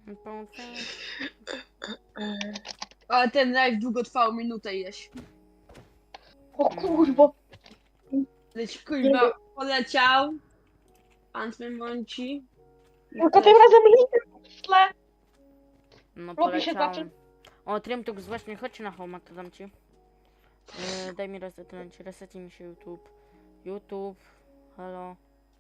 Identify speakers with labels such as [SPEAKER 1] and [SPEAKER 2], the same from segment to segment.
[SPEAKER 1] Ale ten live długo trwał, minutę jeść.
[SPEAKER 2] O kurwa.
[SPEAKER 1] Leć kurwa poleciał. Antmen mąci.
[SPEAKER 2] No to tym razem linkę.
[SPEAKER 3] No
[SPEAKER 2] Robi się
[SPEAKER 3] poleciałem. O, Trimtux, właśnie chodź na home, to dam ci. Daj mi resetuj mi się YouTube. YouTube, halo.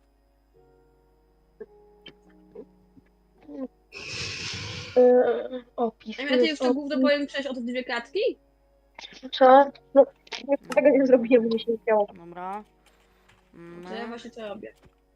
[SPEAKER 2] Opis.
[SPEAKER 1] Ja ty już to gówno powiem przejść o te dwie klatki?
[SPEAKER 2] Co? No, tego nie zrobiłem, mnie się nie chciało.
[SPEAKER 3] Dobra.
[SPEAKER 1] To ja właśnie to robię.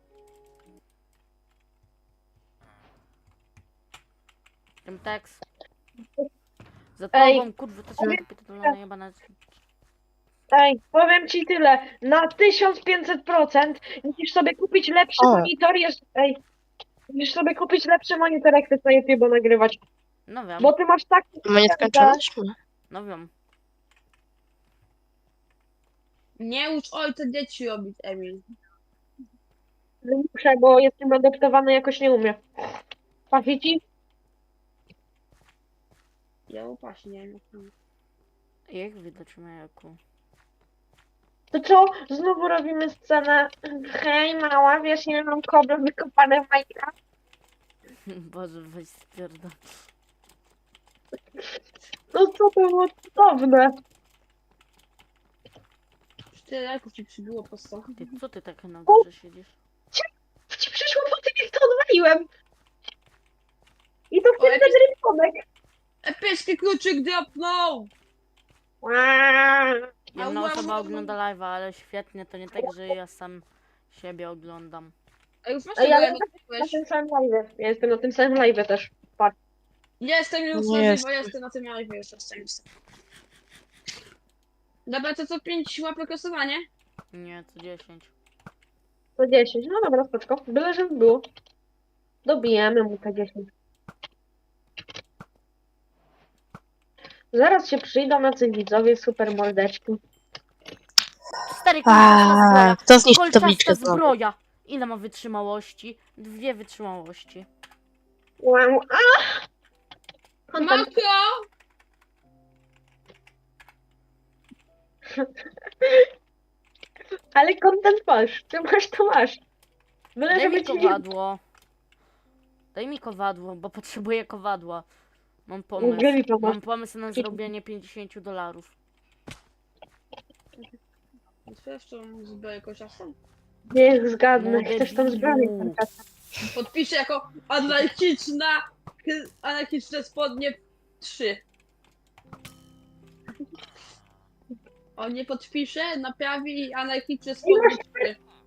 [SPEAKER 3] Trimtex. Za
[SPEAKER 2] Ej.
[SPEAKER 3] tobą, kurwa, to się kapitolona jebana.
[SPEAKER 2] Ej, powiem ci tyle. Na 1500% musisz sobie kupić lepszy monitor. Ej, musisz sobie kupić lepszy monitor, jak chcesz na YouTube nagrywać.
[SPEAKER 3] No wiem,
[SPEAKER 2] Bo ty masz taki...
[SPEAKER 4] Ma nieskończone?
[SPEAKER 3] no wiem.
[SPEAKER 1] Nie ucz ojca dzieci robić, Emil.
[SPEAKER 2] Muszę, bo jestem adoptowany, jakoś nie umiem. Patrzcie ci?
[SPEAKER 1] Ja upaść, nie wiem.
[SPEAKER 3] Jak widać Majaku?
[SPEAKER 2] To co? Znowu robimy scenę. Hej, mała, wiesz, ile mam kobry wykopane w Minecraft?
[SPEAKER 3] Boże, weź spierdol.
[SPEAKER 2] No co to było cudowne.
[SPEAKER 1] 4 lajków ci przybyło po prostu.
[SPEAKER 3] Ty, co ty tak na górze siedzisz?
[SPEAKER 2] Ci przyszło po tym, jak to odwaliłem. I to wtedy
[SPEAKER 1] Oj,
[SPEAKER 2] ten rysunek.
[SPEAKER 1] Epicki kluczyk dropnął!
[SPEAKER 3] Jedna osoba ogląda live'a, ale świetnie, to nie tak, że ja sam siebie oglądam.
[SPEAKER 1] A już masz
[SPEAKER 2] Ej,
[SPEAKER 1] tego
[SPEAKER 2] ale
[SPEAKER 1] live'a
[SPEAKER 2] na
[SPEAKER 1] kupiłeś?
[SPEAKER 2] tym samym live. Ja jestem na tym samym live też. Patrz.
[SPEAKER 1] Jestem już
[SPEAKER 4] Nie
[SPEAKER 1] na
[SPEAKER 4] jest.
[SPEAKER 1] żywo, jestem na tym live, już jestem. Dobra, to co 5 łapek losowanie?
[SPEAKER 3] Nie, co 10.
[SPEAKER 2] To 10. No dobra, spoczko. Byle, żeby było. Dobijemy mu te 10. Zaraz się przyjdą nacy widzowie, super mordeczki.
[SPEAKER 3] Stary, kolczasta zbroja.
[SPEAKER 4] Kto zniszczył
[SPEAKER 3] Kolczasta
[SPEAKER 4] tabliczkę znowu?
[SPEAKER 3] zbroja. Ile ma wytrzymałości? 2 wytrzymałości.
[SPEAKER 2] Wow. A! Content.
[SPEAKER 1] Makro!
[SPEAKER 2] Ale content masz. Ty masz, to masz. Byle,
[SPEAKER 3] Daj
[SPEAKER 2] żeby
[SPEAKER 3] mi
[SPEAKER 2] ci nie...
[SPEAKER 3] kowadło. Daj mi kowadło, bo potrzebuję kowadła. Mam pomysł.
[SPEAKER 2] Gdzie mi pomóc?
[SPEAKER 3] Mam pomysł na zrobienie $50.
[SPEAKER 1] Otwierasz tą zbroję kociastą?
[SPEAKER 2] Niech zgadnę.
[SPEAKER 3] Młody
[SPEAKER 2] Chcesz tam zbroję?
[SPEAKER 3] widzu.
[SPEAKER 1] Podpiszę jako anarchiczne spodnie 3. On nie podpisze, naprawi i anarchiczne spodnie 3.